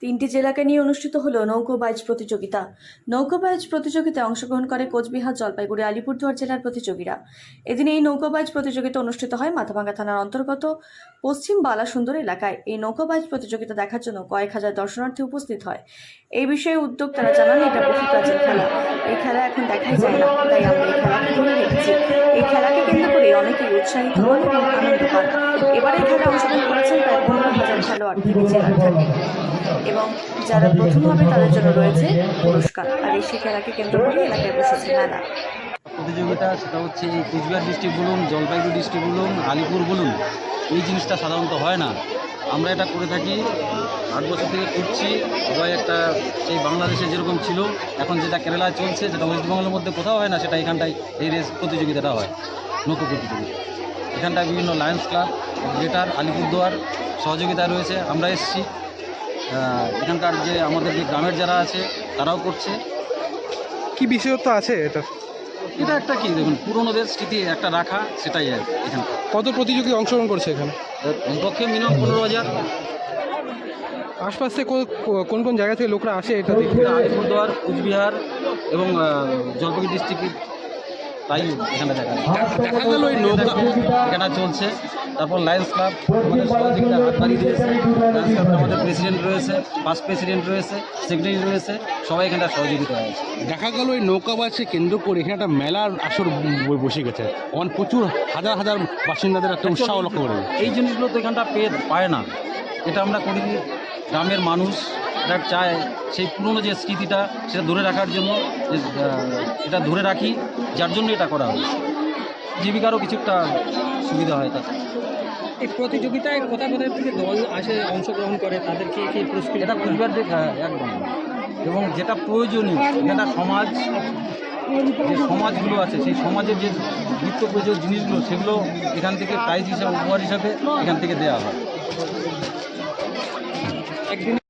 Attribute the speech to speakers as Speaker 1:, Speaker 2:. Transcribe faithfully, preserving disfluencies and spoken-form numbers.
Speaker 1: তিনটি জেলাকে নিয়ে অনুষ্ঠিত হলো নৌকোবাইজ প্রতিযোগিতা। নৌকোবাইজ প্রতিযোগিতায় অংশগ্রহণ করে কোচবিহার, জলপাইগুড়ি, আলিপুরদুয়ার জেলার প্রতিযোগীরা। এদিন এই নৌকোবাইজ প্রতিযোগিতা অনুষ্ঠিত হয় মাথাভাঙ্গা থানার অন্তর্গত পশ্চিম বালাসুন্দর এলাকায়। এই নৌকোবাইজ প্রতিযোগিতা দেখার জন্য কয়েক হাজার দর্শনার্থী উপস্থিত হয়। এই বিষয়ে উদ্যোক্তারা জানান, এটা বহু প্রাচীন খেলা, এই খেলা এখন দেখাই যায় না, তাই আমরা এই খেলাকে ধরে রেখেছি। এই খেলাকে কেন্দ্র করে অনেকেই উৎসাহিত হন এবং আনন্দ পান। এবারে খেলায় অংশগ্রহণ করেছেন প্রায় পনেরো হাজার খেলোয়াড় থেকে জেলার থেকে, এবং যারা প্রথম হবে তাদের জন্য রয়েছে পুরস্কার। আর এই সেই খেলাকে কেন্দ্র করে এলাকায় বসেছে মেলা
Speaker 2: প্রতিযোগিতা। সেটা হচ্ছে এই কোচবিহার ডিস্ট্রিক্ট বলুন, জলপাইগুড়ি ডিস্ট্রিক্ট বলুন, আলিপুর বলুন, এই জিনিসটা সাধারণত হয় না। আমরা এটা করে থাকি, আট বছর থেকে করছি। সবাই একটা সেই বাংলাদেশে যেরকম ছিল, এখন যেটা কেরালায় চলছে, যেটা ওয়েস্ট বেঙ্গলের মধ্যে কোথাও হয় না, সেটা এখানটায় এই রেস প্রতিযোগিতাটা হয়, নৌকো প্রতিযোগিতা। এখানটায় বিভিন্ন লায়ন্স ক্লাব, গ্রেটার আলিপুরদুয়ার সহযোগিতা রয়েছে। আমরা এসেছি, এখানকার যে আমাদের যে গ্রামের যারা আছে তারাও করছে।
Speaker 3: কি বিশেষত্ব আছে এটা?
Speaker 2: এটা একটা কি দেখুন, পুরোনোদের স্মৃতি একটা রাখা, সেটাই আর এখানে।
Speaker 3: কত প্রতিযোগী অংশগ্রহণ করছে এখানে?
Speaker 2: কমপক্ষে মিনিমাম পনেরো হাজার।
Speaker 3: আশপাশ থেকে কোন কোন জায়গা থেকে লোকরা আসে এটা দেখতে?
Speaker 2: আলিপুরদুয়ার, কুচবিহার এবং জলপাইগুড়ি ডিস্ট্রিক্ট, তাই এখানে দেখা
Speaker 3: দেখা গেল এই নৌকা
Speaker 2: এখানে চলছে। তারপর লায়ন্স ক্লাব আমাদের সহযোগিতা হাত বাড়িয়ে দিয়েছে। লায়ন্স ক্লাবের আমাদের প্রেসিডেন্ট রয়েছে, ফার্স্ট প্রেসিডেন্ট রয়েছে, সেক্রেটারি রয়েছে, সবাই এখানটা সহযোগিতা হয়েছে।
Speaker 3: দেখা গেল এই নৌকাবাসকে কেন্দ্র করে এখানে একটা মেলার আসর ব- বসে গেছে। অনেক প্রচুর হাজার হাজার বাসিন্দাদের একটা উৎসাহ লক্ষ্য করে।
Speaker 2: এই জিনিসগুলো তো এখানটা পেয়ে পায় না। এটা আমরা করি গ্রামের মানুষ এটা চায় সেই পুরনো যে স্মৃতিটা সেটা ধরে রাখার জন্য, যে, আহ, এটা ধরে রাখি, যার জন্য এটা করা হয়। জীবিকারও কিছুটা সুবিধা হয় তাতে।
Speaker 4: এই প্রতিযোগিতায় কোথা কোথা থেকে দল আসে, অংশগ্রহণ করে, তাদেরকে কি পুরস্কৃত
Speaker 2: এটা
Speaker 4: করা হয়?
Speaker 2: পরিবার দিক একদম, এবং যেটা প্রয়োজনীয় এটা সমাজ, যে সমাজগুলো আছে সেই সমাজের যে নিত্য প্রয়োজনীয় জিনিসগুলো, সেগুলো এখান থেকে প্রাইজ হিসাবে, উপহার হিসাবে এখান থেকে দেওয়া হয়।
Speaker 4: একদিন